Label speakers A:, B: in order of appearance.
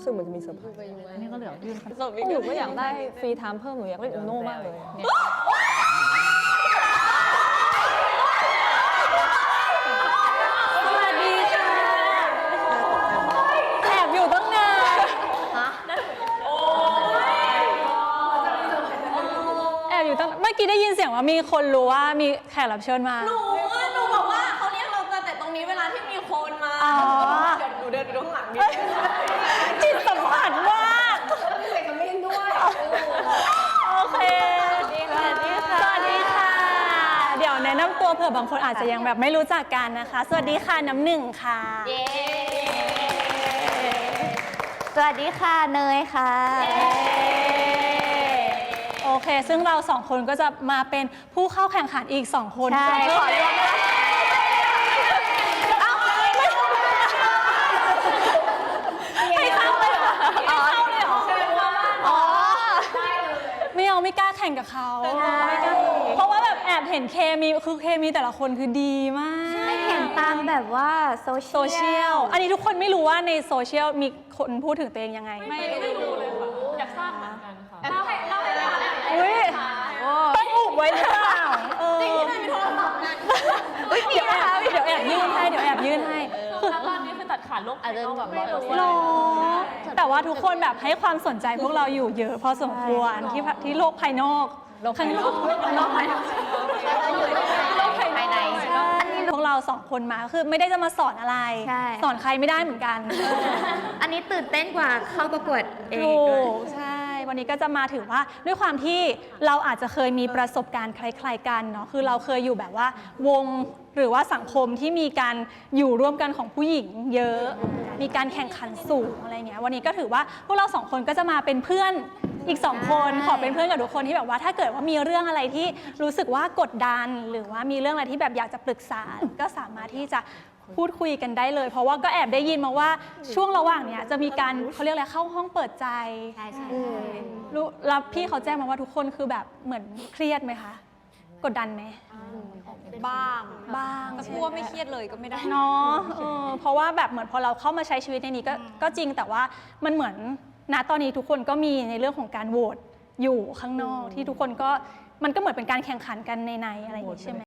A: สึกเหมือนจะมีเซอร์ไพรส์
B: นี่ก็เหลือยื่น
A: หนูก็อยากได้ฟรีไทม์เพิ่มหนูอยากเล่นอูโน่มากเลย
C: สวัสดีค่ะแอบอยู่ตั้งนานแอบอยู่ตั้งเมื่อกี้ได้ยินเสียงว่ามีคนรู้ว่ามีแขกรับเชิญมา
D: หนูบอกว่าเขาเรียกเราแต่ตรงนี้เวลาที่มีคนมา
C: อ๋อ
D: หนูเดินไปดูข้างหลังดิ
C: จิตสัมผัสมาก
D: มีเสียงกระมิ้นด้วย
C: โอเคสวัสดีค่ะ สวัสดีค่ะ เดี๋ยวแนะนำตัวเผื่อบางคนอาจจะยังแบบไม่รู้จักกันนะคะ สวัสดีค่ะน้ำหนึ่งค่ะ
D: เย้
C: สวัสดีค่ะเนยค่ะ โอเค ซึ่งเราสองคนก็จะมาเป็นผู้เข้าแข่งขันอีก2 คน
D: ใช่ขอรวมนะ
C: ให้เข้าเลยเหรออ๋อไม่เอาไม่กล้าแข่งกับเขาไม่กล้าเพราะว่าแบบแอบเห็นเคมีคือเคมีแต่ละคนคือดีมาก
E: เห็นตามแบบว่าโซเชียล
C: อันนี้ทุกคนไม่รู้ว่าในโซเชียลมีคนพูดถึงตัวเองยังไง
B: ไม่รู้เลยค่ะอยากทราบเหมือนกันค่ะ
C: อุ้ยต้องอุบไว้หรือเปล่าจริงที่ไหนมีโทรศัพท์เดี๋ยวแอบยื่นให้
B: คือตอนนี้คือตัดขาดโลกภายนอกแบบ
C: หรอแต่ว่าทุกคนแบบให้ความสนใจพวกเราอยู่เยอะพอสมควรที่โลกภายนอกข้างนอกโลกภายนอกโลกภายในอันนี้พวกเรา2 คนมาคือไม่ได้จะมาสอนอะไรสอนใครไม่ได้เหมือนกัน
E: อันนี้ตื่นเต้นกว่าเข้าประกวดเอง
C: ถู
E: ด้วย
C: กใช่วันนี้ก็จะมาถือว่าด้วยความที่เราอาจจะเคยมีประสบการณ์คล้ายๆกันเนาะคือเราเคยอยู่แบบว่าวงหรือว่าสังคมที่มีการอยู่ร่วมกันของผู้หญิงเยอะมีการแข่งขันสูงอะไรเงี้ยวันนี้ก็ถือว่าพวกเรา2 คนก็จะมาเป็นเพื่อนอีก2 คนขอเป็นเพื่อนกับทุกคนที่แบบว่าถ้าเกิดว่ามีเรื่องอะไรที่รู้สึกว่ากดดันหรือว่ามีเรื่องอะไรที่แบบอยากจะปรึกษาก็สามารถที่จะพูดคุยกันได้เลยเพราะว่าก็แอบได้ยินมาว่าช่วงระหว่างเนี้ยจะมีการเขาเรียกอะไรเข้าห้องเปิดใจ
E: ใช่
C: รู้แล้วพี่เขาแจ้งมาว่าทุกคนคือแบบเหมือนเครียดไหมคะกดดันไหม
D: บ้าง
C: แต่
D: พูดว่าไม่เครียดเลยก็ไม่ได้
C: เนาะเพราะว่าแบบเหมือนพอเราเข้ามาใช้ชีวิตในนี้ก็จริงแต่ว่ามันเหมือนณตอนนี้ทุกคนก็มีในเรื่องของการโหวตอยู่ข้างนอกที่ทุกคนก็มันก็เหมือนเป็นการแข่งขันกันในอะไรอย่างนี้ใช่ไหม